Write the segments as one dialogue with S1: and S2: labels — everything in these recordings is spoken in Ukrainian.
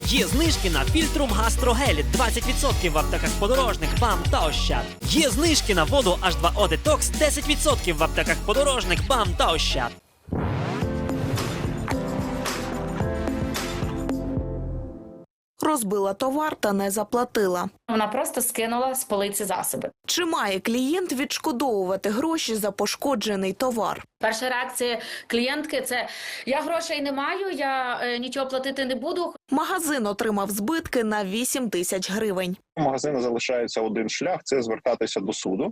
S1: Є знижки на фільтрум Гастрогель 20% в аптеках Подорожник, БАМ та Ощад. Є знижки на воду H2O Detox 10% в аптеках Подорожник, БАМ та Ощад.
S2: Розбила товар та не заплатила.
S3: Вона просто скинула з полиці засоби.
S2: Чи має клієнт відшкодовувати гроші за пошкоджений товар?
S3: Перша реакція клієнтки – це «я грошей не маю, я нічого платити не буду».
S2: Магазин отримав збитки на 8 тисяч гривень.
S4: У магазину залишається один шлях – це звертатися до суду.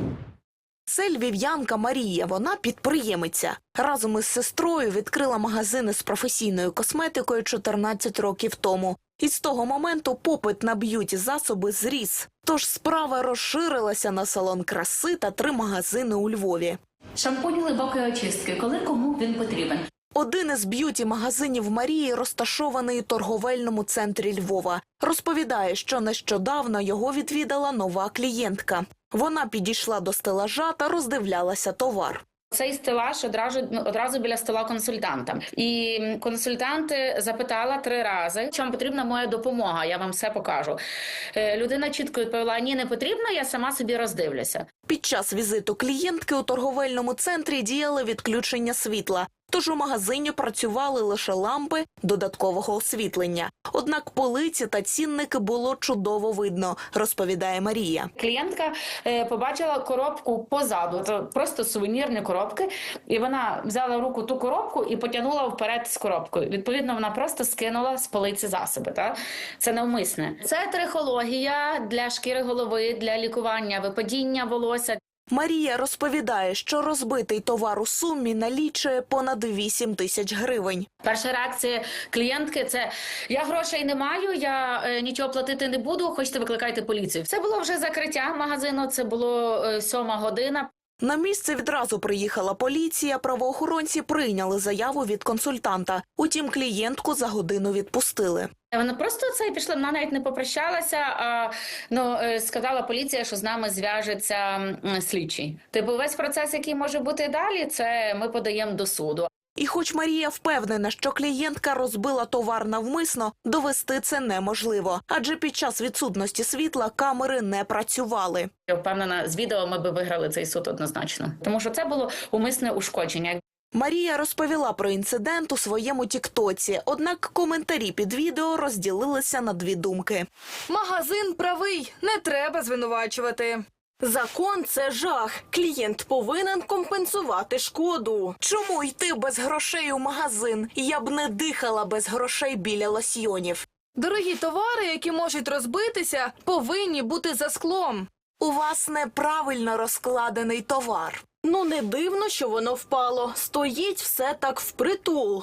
S2: Це львів'янка Марія, вона підприємиця. Разом із сестрою відкрила магазини з професійною косметикою 14 років тому. І з того моменту попит на б'юті-засоби зріс. Тож справа розширилася на салон краси та 3 магазини у Львові.
S3: Шампунь глибокої очистки, коли кому він потрібен.
S2: Один із б'юті-магазинів Марії розташований у торговельному центрі Львова. Розповідає, що нещодавно його відвідала нова клієнтка. Вона підійшла до стелажа та роздивлялася товар.
S3: Цей стелаж одразу біля стола консультанта. І консультант запитала 3 рази, чи вам потрібна моя допомога, я вам все покажу. Людина чітко відповіла, ні, не потрібно, я сама собі роздивлюся.
S2: Під час візиту клієнтки у торговельному центрі діяли відключення світла. Тож у магазині працювали лише лампи додаткового освітлення. Однак полиці та цінники було чудово видно, розповідає Марія.
S3: Клієнтка побачила коробку позаду, це просто сувенірні коробки, і вона взяла в руку ту коробку і потягнула вперед з коробкою. Відповідно, вона просто скинула з полиці засоби. Так? Це навмисне. Це трихологія для шкіри голови, для лікування випадіння волосся.
S2: Марія розповідає, що розбитий товар у сумі налічує понад 8 тисяч гривень.
S3: Перша реакція клієнтки – це «я грошей не маю, я нічого платити не буду, хочете викликайте поліцію». Це було вже закриття магазину, це було 7 година.
S2: На місце відразу приїхала поліція, правоохоронці прийняли заяву від консультанта. Утім, клієнтку за годину відпустили.
S3: Вона просто пішла, вона навіть не попрощалася, а сказала поліція, що з нами зв'яжеться слідчий. Весь процес, який може бути далі, це ми подаємо до суду.
S2: І хоч Марія впевнена, що клієнтка розбила товар навмисно, довести це неможливо. Адже під час відсутності світла камери не працювали.
S3: Я впевнена, з відео ми би виграли цей суд однозначно. Тому що це було умисне ушкодження.
S2: Марія розповіла про інцидент у своєму тіктоці, однак коментарі під відео розділилися на 2 думки.
S5: Магазин правий, не треба звинувачувати. Закон – це жах. Клієнт повинен компенсувати шкоду.
S2: Чому йти без грошей у магазин? Я б не дихала без грошей біля лосьйонів.
S5: Дорогі товари, які можуть розбитися, повинні бути за склом.
S2: У вас неправильно розкладений товар.
S5: Ну, не дивно, що воно впало. Стоїть все так впритул.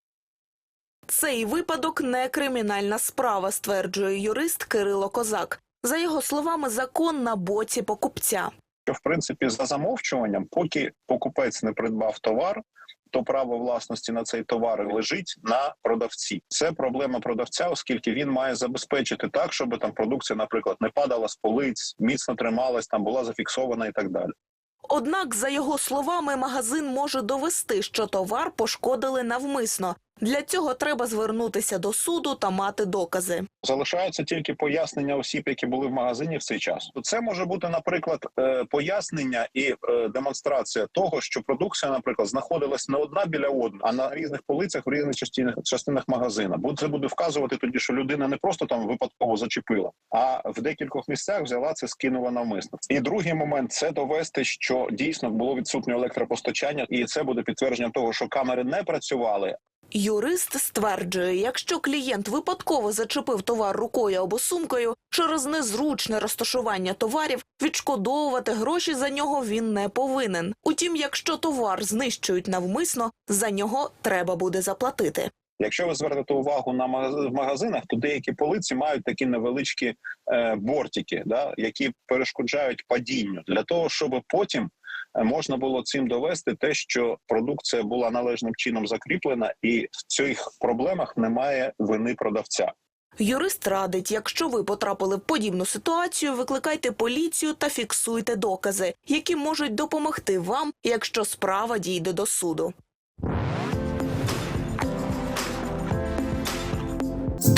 S2: Цей випадок не кримінальна справа, стверджує юрист Кирило Козак. За його словами, закон на боці покупця.
S4: В принципі, за замовчуванням, поки покупець не придбав товар, то право власності на цей товар лежить на продавці. Це проблема продавця, оскільки він має забезпечити так, щоб там продукція, наприклад, не падала з полиць, міцно трималась, там була зафіксована і так далі.
S2: Однак, за його словами, магазин може довести, що товар пошкодили навмисно. Для цього треба звернутися до суду та мати докази.
S4: Залишаються тільки пояснення осіб, які були в магазині в цей час. Це може бути, наприклад, пояснення і демонстрація того, що продукція, наприклад, знаходилась не одна біля одної, а на різних полицях в різних частинах магазина. Бо це буде вказувати тоді, що людина не просто там випадково зачепила, а в декількох місцях взяла це, скинула навмисно. І другий момент – це довести, що дійсно було відсутнє електропостачання, і це буде підтвердження того, що камери не працювали.
S2: Юрист стверджує, якщо клієнт випадково зачепив товар рукою або сумкою, через незручне розташування товарів, відшкодовувати гроші за нього він не повинен. Утім, якщо товар знищують навмисно, за нього треба буде заплатити.
S4: Якщо ви звернете увагу на магазинах, то деякі полиці мають такі невеличкі бортики, які перешкоджають падінню, для того, щоб потім можна було цим довести те, що продукція була належним чином закріплена і в цих проблемах немає вини продавця.
S2: Юрист радить, якщо ви потрапили в подібну ситуацію, викликайте поліцію та фіксуйте докази, які можуть допомогти вам, якщо справа дійде до суду.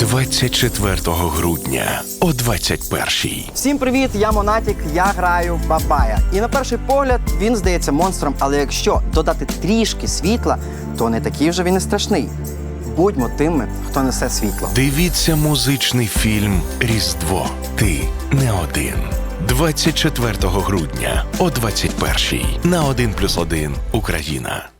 S6: 24 грудня о 21-й.
S7: Всім привіт, я Монатік, я граю Бабая. І на перший погляд він здається монстром, але якщо додати трішки світла, то не такий вже він і страшний. Будьмо тими, хто несе світло.
S6: Дивіться музичний фільм «Різдво. Ти не один». 24 грудня о 21-й на 1+1 Україна.